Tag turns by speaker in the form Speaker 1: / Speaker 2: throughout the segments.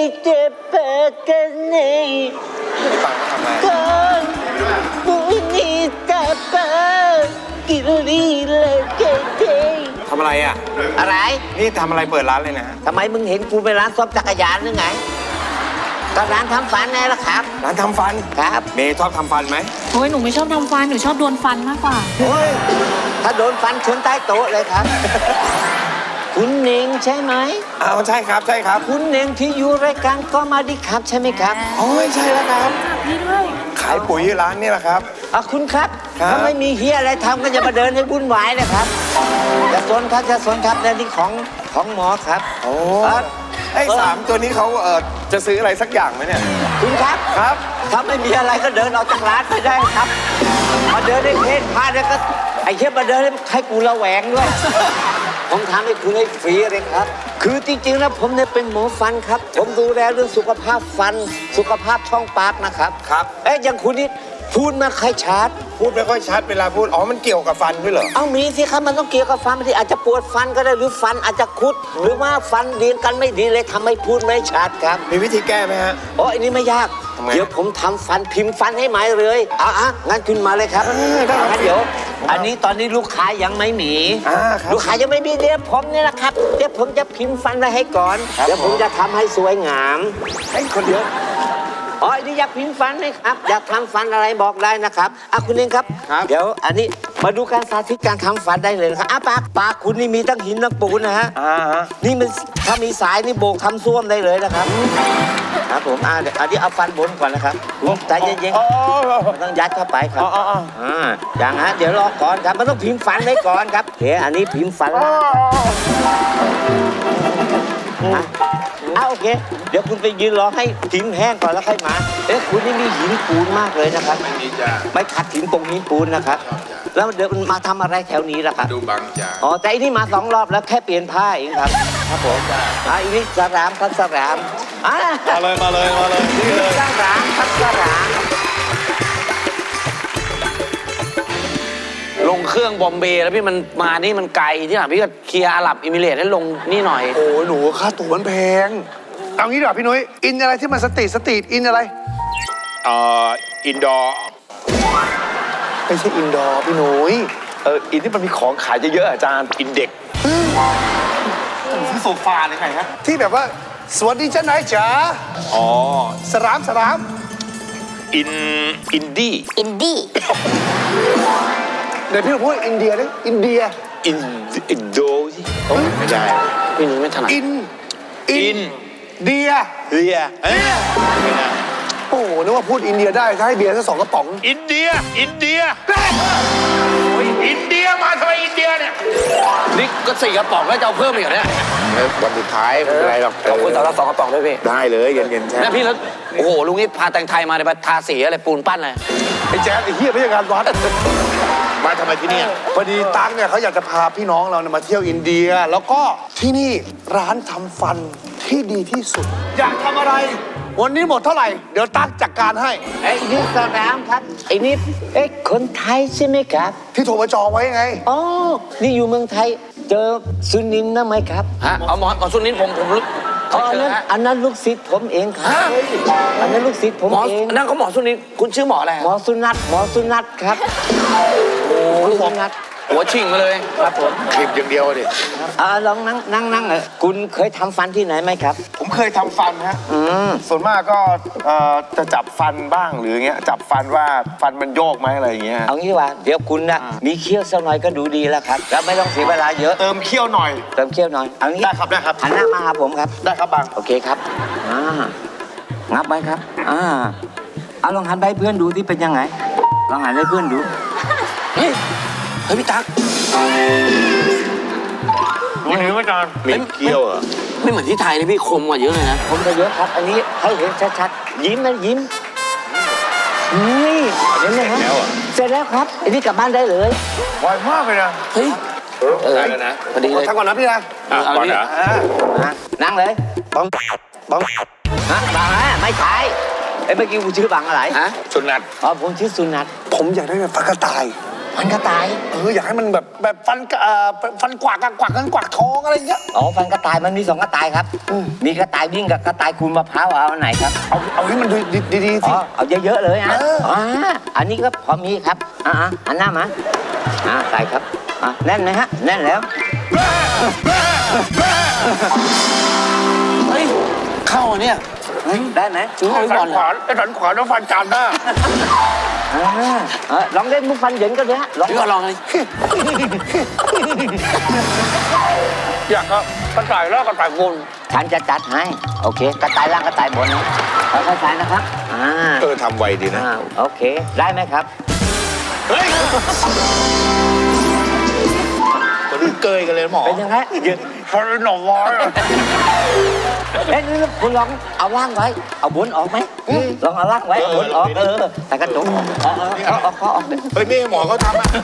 Speaker 1: Bonita Bonita
Speaker 2: ทำอะไรอ่ะ
Speaker 1: อะไร
Speaker 2: นี่ทำอะไรเปิดร้านเลยนะ
Speaker 1: ทำไมมึงเห็นกูไปร้านซ่อมจักรยานหรือไงก็ร้านทำฟันไงล่ะครับ
Speaker 2: ร้านทำฟัน
Speaker 1: ครับ
Speaker 2: เมย์ชอบทำฟันไหม
Speaker 3: โอ้ยหนูไม่ชอบทำฟัน หนูชอบโดนฟันมากกว่า
Speaker 1: โอ้ยถ้าโดนฟันชนใต้โต๊ะเลยครับ คุณเน่งใช่ไหม
Speaker 2: อ้าวใช่ครับใช่ครับ
Speaker 1: คุณเน่งที่อยู่รายการก็มาดีครับใช่ไหมครับ
Speaker 2: โอ้ยใช่แล้วครับ
Speaker 3: พี่ด้วย
Speaker 2: ขายปุ๋ยร้านนี่แหละครับ
Speaker 1: คุณครับ
Speaker 2: ครับ
Speaker 1: ถ้าไม่มีเฮียอะไรทำก็จะมาเดินให้วุ่นวายนะครับจะสนครับจะสนครับในที่ของหมอครับ
Speaker 2: โอ้
Speaker 1: เอ่อ
Speaker 2: ไอ้สามตัวนี้เขาจะซื้ออะไรสักอย่างไหมเนี่ย
Speaker 1: คุณครับ
Speaker 2: ครับ
Speaker 1: ถ้าไม่มีอะไรก็เดินออกจากร้านไปได้ครับมาเดินให้เพศพาแล้วก็ไอ้เชี่ยมาเดินให้กูระแวงด้วย ผมทำให้คุณให้ฟรีเลยครับ คือจริงๆแล้วผมเนี่ยเป็นหมอฟันครับ ผมดูแลเรื่องสุขภาพฟัน สุขภาพช่องปากนะครับ
Speaker 2: ครับ
Speaker 1: อย่างคุณนี่พูดมาใครชัด
Speaker 2: พูดไม่ค่อยชัดเวลาพูด อ๋อ มันเกี่ยวกับฟันด้วยเหรอ
Speaker 1: เอามีสิครับมันต้องเกี่ยวกับฟันบางทีอาจจะปวดฟันก็ได้หรือฟันอาจจะคุด หรือว่าฟันเรียนกันไม่ดีเลยทำให้พูดไม่ชัดครับ
Speaker 2: มีวิธีแก้ไหมฮะ
Speaker 1: อันนี้ไม่ยาก
Speaker 2: ทำไม
Speaker 1: เดี๋ยวผมทำฟันพิมพ์ฟันให้ไหมเลยงั้นคุณมาเลยครับ
Speaker 2: ได้ครับ
Speaker 1: งั้นเดี๋ยว อันนี้ตอนนี้ลูกค้ายังไม่มี
Speaker 2: ครับ
Speaker 1: ลูกค้ายังไม่มีเดี๋ยวผมเนี่ยนะครับเดี๋ยวผมจะพิมพ์ฟันไว้ให้ก่อน
Speaker 2: ครับ
Speaker 1: เดี๋ยวผมจะทำให้สวยงาม
Speaker 2: ไอ้คนเดียว
Speaker 1: อันนี้อยากพิมพ์ฟันไหมครับ อยากทำฟันอะไรบอกได้นะครับคุณเองครับ
Speaker 2: ครับ
Speaker 1: เดี๋ยวอันนี้มาดูการสาธิตการทำฟันได้เลยนะครับปากคุณนี่มีทั้งหินทั้งปูนนะฮะ นี่มันถ้ามีสายนี่โบกทำส้วมได้เลยนะครับ ครับผมเดี๋ยวอันนี้เอาฟันบนก่อนนะครับใจเย็นๆมันต้องยัดเข้าไปครับอย่างฮะเดี๋ยวรอก่อนครับมันต้องพิมพ์ฟันไว้ก่อนครับอันนี้พิมพ์ฟันโอเค เดี๋ยวคุณไปยืนรอให้หินแห้งก่อนแล้วค่อยมาคุณนี่มีหินปูนมากเลยนะครับไม่ขัดหินปงหินปูนนะครับ แล้วเดี๋ยวมันมาทำอะไรแถวนี้ล่ะครับดูบางจากแต่อันนี้มา2 รอบแล้วแค่เปลี่ยนผ้าเองครับครับผมอีนี่สรามครับสราม
Speaker 2: มาเลยนี่เลย
Speaker 1: สรามครับสราม
Speaker 4: ลงเครื่องบอมเบย์แล้วพี่มันมานี่มันไกลที่ไหนพี่ก็เคลียร์อาหรับอิมิเรตให้ลงนี่หน่อย
Speaker 5: โอ้ยหนูค่าตั๋วมันแพง เอางี้ดีกว่าพี่นุ้ย อินอะไรที่มันสตรีทอินอะไร
Speaker 6: อินดอร์
Speaker 5: ไม่ใช่อินดอร์พี่นุ้ย
Speaker 6: อินที่มันมีของขายเยอะๆอาจารย์ อินเด็กซื้อโซฟาเลยไงฮะ
Speaker 5: ที่แบบว่า สวัสดีเจ้านายจ๋า
Speaker 6: อ๋อ
Speaker 5: สราม
Speaker 6: อินดี้
Speaker 3: อินดี้
Speaker 5: เดี๋ยวพี่พูดอินเดียดิอินเดีย
Speaker 6: อินโดสิไม่ได้
Speaker 4: พี่นุ้ยไม่ถนัด
Speaker 5: อิน เดีย
Speaker 6: เรียไม่ได้
Speaker 5: โอ้โหนึกว่าพูดอินเดียได้ถ้าให้เบียร์สัก2 กระป๋อง
Speaker 6: อินเดียอินเดียมาทำไมอินเดียเนี่ย
Speaker 4: นี่ก็4 กระป๋องแล้วจะเอาเพิ่มอีกเหรอเนี่ย
Speaker 6: วันสุดท้ายไม่เป็นไรหรอก
Speaker 4: ขอบคุณสำหรับ2 กระป๋องด้วยพี่
Speaker 6: ได้เลยเย็นๆใช่
Speaker 4: แม่พี่แล้วโอ้โหลุงนี่พาแต่งไทยมาเลยมาทาสีอะไรปูนปั้นอะไร
Speaker 5: ไอ้แจ๊ดไอ้เหี้ยไม่ใช่งานวัด
Speaker 6: มาทำไมที่เนี่ย
Speaker 5: พอดีตั๊กเนี่ยเขาอยากจะพาพี่น้องเราเนี่ยมาเที่ยวอินเดีย แล้วก็ที่นี่ร้านทำฟันที่ดีที่สุด อยากทำอะไร วันนี้หมดเท่าไหร่ เดี๋ยวตั๊กจัดการให้
Speaker 1: นี่สรามครับนี่คนไทยใช่ไหมครับ
Speaker 5: ที่โทรมาจองไว้ไง
Speaker 1: นี่อยู่เมืองไทยเจอสุนินท์นะไหมครับ
Speaker 4: ฮะเอาหมอนสุนินผมรู้
Speaker 1: อันนั้นลูกศิษย์ผมเองครับอันนั้นลูกศิษย์ผม
Speaker 4: หมอ
Speaker 1: เอง
Speaker 4: นั่นเขาหมอสุนินคุณชื่อหมออะไร
Speaker 1: หมอสุนัทครับโอ้สุนัท
Speaker 4: หัวชิงมาเลย
Speaker 1: ครับผม
Speaker 6: คลิปอย่างเดียวดิ
Speaker 1: ลองนั่งคุณเคยทำฟันที่ไหนไหมครับ
Speaker 2: ผมเคยทำฟันฮะส่วนมากก็จะจับฟันบ้างหรือเงี้ย จับฟันว่าฟันมันโยกไหมอะไรอย่างเงี้ย
Speaker 1: เอางี้ว่าเดี๋ยวคุณนะมีเขี้ยวสักหน่อยก็ดูดีแล้วครับแล้วไม่ต้องเสียเวลาเยอะ
Speaker 2: เติมเขี้ยวหน่อย
Speaker 1: เติมเขี้ยวหน่อยเอางี้
Speaker 2: ได้ครับได้ครับ
Speaker 1: หันหน้ามาหาผมครับ
Speaker 2: ได้ครับบัง
Speaker 1: โอเคครับงับไว้ครับเอาลองหันไปให้เพื่อนดูที่เป็นยังไงลองหันให้เพื่อนดู
Speaker 4: เฮ้ยพี่ตั๊ก
Speaker 2: ดูนิ้วอาจารย์
Speaker 6: มีเกี้ยวเหรอ
Speaker 4: ไม่เหมือนที่ไทยเลยพี่คมกว่าเยอะเลยนะ
Speaker 1: ผมจะเยอะครับ อันนี้ให้เห็นชัดๆยิ้มนะยิ้มนี่เห็นไหมฮะเสร็จแล้วครับอันนี้กลับบ้านได้เลย
Speaker 2: ไวมากเลยนะ
Speaker 4: เฮ้ย
Speaker 6: ได้แล้วนะ
Speaker 4: พอดีเลย
Speaker 5: ทั้งก่อนนะพี่นะ
Speaker 4: เอา
Speaker 6: ก่อน
Speaker 4: ดิ
Speaker 6: นะ
Speaker 1: นั่งเลยบังบังไม่ใช่เมื่อกี้กูชื่อบังอะไร
Speaker 4: ฮะ
Speaker 6: สุนัต
Speaker 1: ผมชื่อสุนัท
Speaker 5: ผมอยากได้แบบฟักกระต่าย
Speaker 1: ฟันกระต่าย
Speaker 5: อยากให้มันแบบฟันกวักกันกวักทองอะไรอย่างเงี้ย
Speaker 1: อ๋อฟันกระต่ายมันมี2กระต่ายครับ มีกระต่ายวิ่งกับกระต่ายขูดมะพร้าวเอาอันไหนครับ
Speaker 5: เอาให้มันดีๆ
Speaker 1: อ๋
Speaker 5: สิ
Speaker 1: อเอาเยอะๆเลยนะอันนี้ก็พอมีครับอันหน้ามาใส่ครับแน่นไหมฮะแน่นแล้ว
Speaker 4: เฮ้ย เข้าอ่ะเนี่ย
Speaker 1: ได้ไหม
Speaker 4: เข้าไปก่อนเลย
Speaker 5: ไอ้สันขวานแล้วฟันจานหน้า
Speaker 1: ลองเล่นมุกฟันเหยินกันเลยฮะลอง
Speaker 4: พี่ก็ลองเลย
Speaker 5: อยากกระต่ายแล้วกระต่ายบน
Speaker 1: ฉันจะจัดให้โอเคกระต่ายล่างกระต่ายบนนะค่อยๆใส่นะครับ
Speaker 6: ทำไวดีนะ
Speaker 1: โอเคได้ไหมครับ
Speaker 6: ตัวนี้เกยกันเลยหมอ
Speaker 1: เป็นยังไงยืน
Speaker 5: ฟันหน่อวอย
Speaker 1: นี่คุณลองเอาล่างไว้เอาบนออกไหมลองเอาล่างไว้บนออกแต่กระจกออกออก
Speaker 6: เฮ้ยไม่ให้หมอเขาทำอ่ะ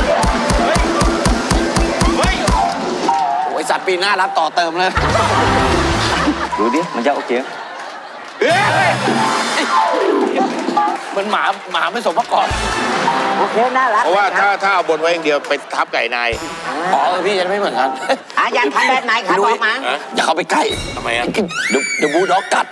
Speaker 4: โอ้ยสัตว์ปีหน้ารับต่อเติมเลย
Speaker 1: ดูดิมันจะโอเค
Speaker 4: มันหมาไม่สมประกอบ
Speaker 1: โอเคน่ารัก
Speaker 6: เพราะว่าถ้าเอาบนไว้อย่างเดียวไปทับไก่นาย
Speaker 4: อ๋อพี่จะไม่เหมือนกัน
Speaker 1: อยากทำแบบไหนครับบอกมา
Speaker 4: อย่าเข้าไปใกล้
Speaker 6: ทำไมอ่ะ
Speaker 4: เดี๋ยวบูลด็อกกัด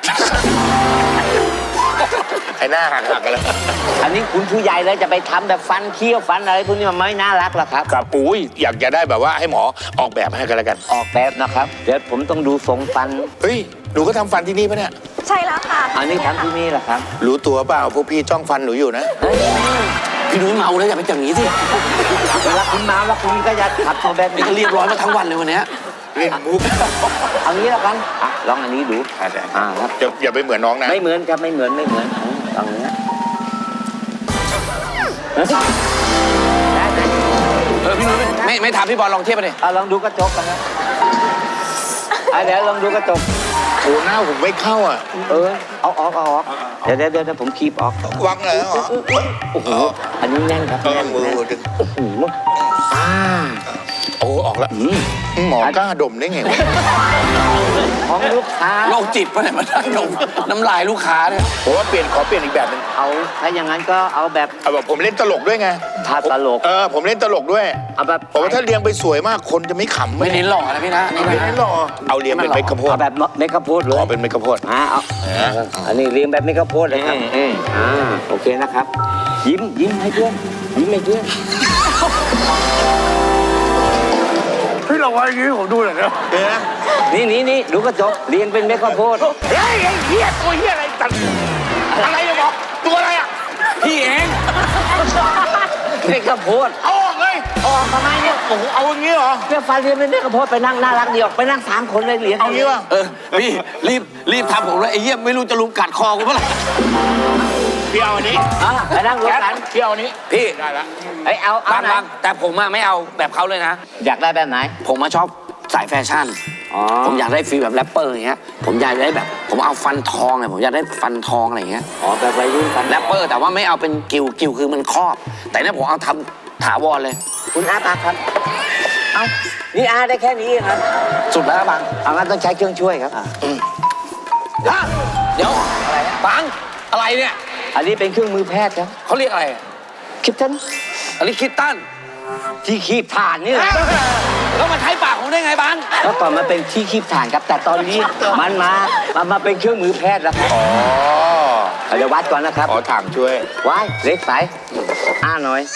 Speaker 6: ไอ้หน้าหักกันแล้ว
Speaker 1: อันนี้คุณผู้ใหญ่เลยจะไปทำแบบฟันเคี้ยวฟันอะไรพวกนี้มันไม่น่ารักหรอกครับ
Speaker 6: กับปุ้ยอยากจะได้แบบว่าให้หมอออกแบบให้กันแล้วกัน
Speaker 1: ออกแบบนะครับเดี๋ยวผมต้องดูทรงฟัน
Speaker 6: เฮ้ยหนูก็ทำฟันที่นี่ปะเนี่ย
Speaker 3: ใช่แล้วค่ะ
Speaker 1: อันนี้ทำที่นี่แหละครับ
Speaker 6: รู้ตัวเปล่าพวกพี่จ้องฟันหนูอยู่นะ
Speaker 4: พี่นุ้ยเมาแล้วอย่าไปอย่างนี้สิ
Speaker 1: เวลาคุณมาแล้วคุณก็จะขับตัวแบบ
Speaker 4: นี่
Speaker 1: นี้
Speaker 4: ก็เรียบร้อยมาทั้งวันเลยวันเนี้ย
Speaker 6: เล่นมุก
Speaker 1: เอางี้แล้วกันลองอันนี้ดูครับ
Speaker 6: อย่าไปเหมือนน้องนะ
Speaker 1: ไม่เหมือนครับไม่เหมือนลองเนี้ยได้ไหม
Speaker 4: พี่นุ้ยไม่ถามพี่บอลลองเทียบไปดิ
Speaker 1: ลองดูกระจกกันนะเดี๋ยวลองดูกระจก
Speaker 6: โอ้หน้าผมไม่เข้าอ่ะ
Speaker 1: เอาออกเดี๋ยวผมคีบออก
Speaker 6: วังเลยเหรอ
Speaker 1: โอ้โหอันนี้แน่นครับแน่น
Speaker 6: มือ
Speaker 1: โอ้โห
Speaker 6: โอ้ออกแล้วหมอกล้าดมได้ไงวะ
Speaker 1: ของลูกค้า
Speaker 4: โรคจิตปะเนี่ยมันน้ำลายลูกค้าเนี่ย
Speaker 6: ผมว่าขอเปลี่ยนอีกแบบนึง
Speaker 1: เอาถ้าอย่างนั้นก็เอาแบบ
Speaker 6: เอาแบบผมเล่นตลกด้วยไง
Speaker 1: ถ้าตลก
Speaker 6: ผมเล่นตลกด้วย
Speaker 1: เอาแบบ
Speaker 6: ผมว่าถ้าเรียงไปสวยมากคนจะไม่ขำ
Speaker 4: ไม่เน้นหล่อนะพี่นะนี่
Speaker 6: ไม่
Speaker 4: นะ
Speaker 6: เน้นหรอเอาเรียงเป็นเม็ดข้าวโพด
Speaker 1: เอาแบบเมกะโพดเลย
Speaker 6: ขอเป็นเม็ดข้าวโพด
Speaker 1: เอาอันนี้เรียงแบบเมกะโพดเลยครับโอเคนะครับ ยิ้มให้เพื่อนยิ้มให้เพื่อน
Speaker 5: พี่เราไว้อย่างนี้ผมดูหน่อยนะ
Speaker 1: นี่ดูกระจกเรียงเป็นเมกะโพด
Speaker 5: เฮ้ยไอ้เหี้ยตัวเหี้ยอะไรตัดอะไรจะบอกตัวอะไรอ่ะ
Speaker 4: พี่เอง
Speaker 1: เมกะโพด
Speaker 5: เอาออกเลย
Speaker 1: ออกทำไมเนี่ย
Speaker 5: โอ้โหเอาอย่างนี้เหรอ
Speaker 1: เพื่อฟันเรียงเป็นเมกะโพดไปนั่งน่ารักดีออกไปนั่ง3 คนเลยเรียง
Speaker 5: เอางี้วะ
Speaker 4: พี่รีบทำผมเลยไอ้เหี้ยไม่รู้จะลุมกัดคอกูเมื่อไหร่
Speaker 5: พี่เอาอันนี้
Speaker 1: ไปนั่งรวมกัน
Speaker 5: พี่เอาอันนี้
Speaker 4: พี่
Speaker 5: ได้ละ
Speaker 1: เอา
Speaker 4: บาง
Speaker 1: ไหน
Speaker 4: แต่ผมอะไม่เอาแบบเขาเลยนะ
Speaker 1: อยากได้แบบไหน
Speaker 4: ผมมาชอบสายแฟชั่น ผมอยากได้ฟีลแบบแรปเปอร์อย่างเงี้ย ผมอยากได้แบบ ผมเอาฟันทองเลยผมอยากได้ฟันทองอะไรอย่างเงี้ย
Speaker 1: แบบวัยรุ่นกัน
Speaker 4: แรปเปอร์แต่ว่าไม่เอาเป็นกิวคือมันครอบ แต่เนี่ยผมเอาทำถาวรเลย
Speaker 1: คุณอาครับ นี่อาได้แค่นี้เองครับ
Speaker 4: สุดแล้วนะบัง
Speaker 1: เอางั้นต้องใช้เครื่องช่วยครับ
Speaker 4: เดี๋ยวบังอะไรเนี่ย
Speaker 1: อันนี้เป็นเครื่องมือแพทย์ครับ
Speaker 4: เขาเรียกอะไร
Speaker 1: คิดทัน
Speaker 4: อันนี้คิตตัน
Speaker 1: ที่คีบถ่านนี่แหละ
Speaker 4: แล้วมาใช้ปากผมได้ไงบัง
Speaker 1: แล้วก่อนมันเป็นที่คีบถ่านครับ แต่ตอนนี้มันมาเป็นเครื่องมือแพทย์แล้วครับ
Speaker 6: อ๋อ
Speaker 1: เดี๋ยววัดก่อนนะครับ
Speaker 6: ขอถังช่วย
Speaker 1: ไว้เล็กสายหน่อย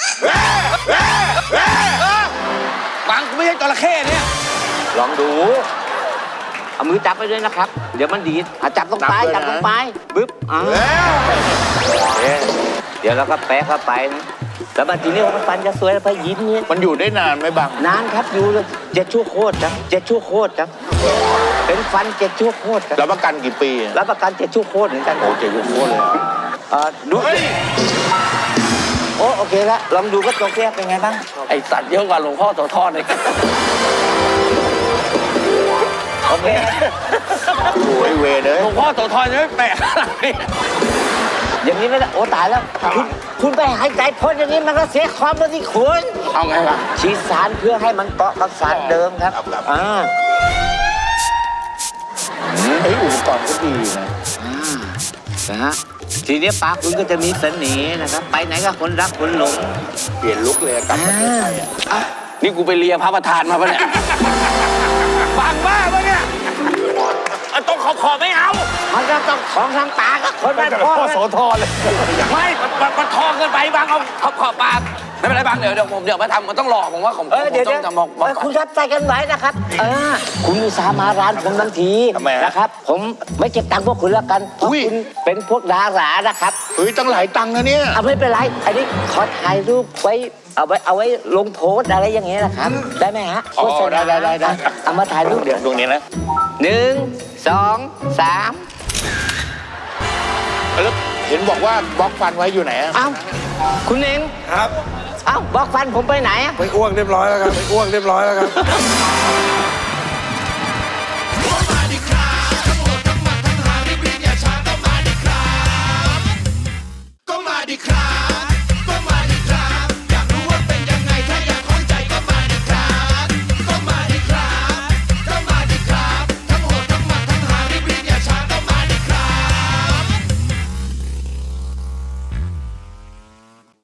Speaker 4: บังกูไม่ใช่จระเข้เนี่ย
Speaker 1: ลองดู เอามือจับไปด้วยนะครับ เดี๋ยวมันดีดจับตรงปลายจับตรงปลายบึ๊บเดี๋ยวเราก็แปะเข้าไปนะแล้วมาทีนี้มันฟันจะสวยแล้วไปยิ้มเนี่ย
Speaker 6: มันอยู่ได้นานไหมบัง
Speaker 1: นานครับอยู่เลย7 ชั่วโคตรครับ7 ชั่วโคตรครับ เป็นฟัน7 ชั่วโคตรครับ
Speaker 6: รับประกันกี่ปีอะ
Speaker 1: รับประกัน7 ชั่วโคตรเหมือนกัน
Speaker 6: โอ้7 ชั่วโคตรเลย
Speaker 1: ดูโอเคแล้วลองดูก็ตัวแก้เป็นไงบ้าง
Speaker 4: ไอสัตว์เยอะกว่าหลวงพ่อโสธรเลย
Speaker 1: โอเค
Speaker 6: โอ้ยเวรเลย
Speaker 4: หลวงพ่อโสธรจะไม่แปลกอะไร
Speaker 1: อย่างนี้ไม่ได้โอ้ตายแล้วคุณไปหายใจพ่นอย่างนี้มันก็เสียความเป็นที่คุณ
Speaker 4: เอาไงล่ะ
Speaker 1: ฉีดสารเพื่อให้มันเกาะกับสารเดิมครับ
Speaker 6: เฮ้ยอุปกรณ์ก็ดีนะ
Speaker 1: นะฮะทีนี้ปากคุณก็จะมีเสน่ห์นะครับ ไปไหนก็คนรักคนหลง
Speaker 5: เปลี่ยนลุกเลยกลับประเทศไทยอะ
Speaker 4: นี่กูไปเลียพระประธานมาปะเนี่ย
Speaker 6: บางบ้าปะเนี่ยต้องขอไม่เอา
Speaker 1: มันก็ต้องของทางปากก็คนบ้านพ่อ
Speaker 5: พ่อโสธรเลย
Speaker 4: ไม่มันทองเกินไปบางเอาขอบปากไม่เป็นไรบางเดี๋ยวผมมาทำมันต้องหลอกผมว่าผม
Speaker 1: เดี๋ยว
Speaker 4: ต้องจะบอก
Speaker 1: คุณรับใจกันไว้นะครับ คุณอุตส่าห์มาร้านผมทั้งที
Speaker 5: ทำไมฮะ
Speaker 1: นะครับ ผมไม่เก็บตังค์พวกคุณแล้วกันเพราะ
Speaker 5: อุ้ย
Speaker 1: คุณเป็นพวกดารานะครับ
Speaker 5: เฮ้ยตั้งหลายตังค์นะเนี่ย
Speaker 1: เอาไม่เป็นไร อันนี้ขอถ่ายรูปไว้เอาไว้ลงโพสต์อะไรอย่างเงี้ยนะครับ ได้ไหมฮะ
Speaker 5: อ๋อ
Speaker 1: โฆษณา
Speaker 5: ได้
Speaker 1: เอามาถ่ายรูปเดี๋ยว
Speaker 6: ดวงนี้นะ
Speaker 1: 1 2 3
Speaker 5: แล้วเห็นบอกว่าบล็อกฟันไว้อยู่ไหนอะ
Speaker 1: เอ้าคุณเอง
Speaker 2: ครับ
Speaker 1: เอ้าบล็อกฟันผมไปไหนอะ
Speaker 2: ไปอ้วกเรียบร้อยแล้วครับไปอ้วกเรียบร้อยแล้วครับ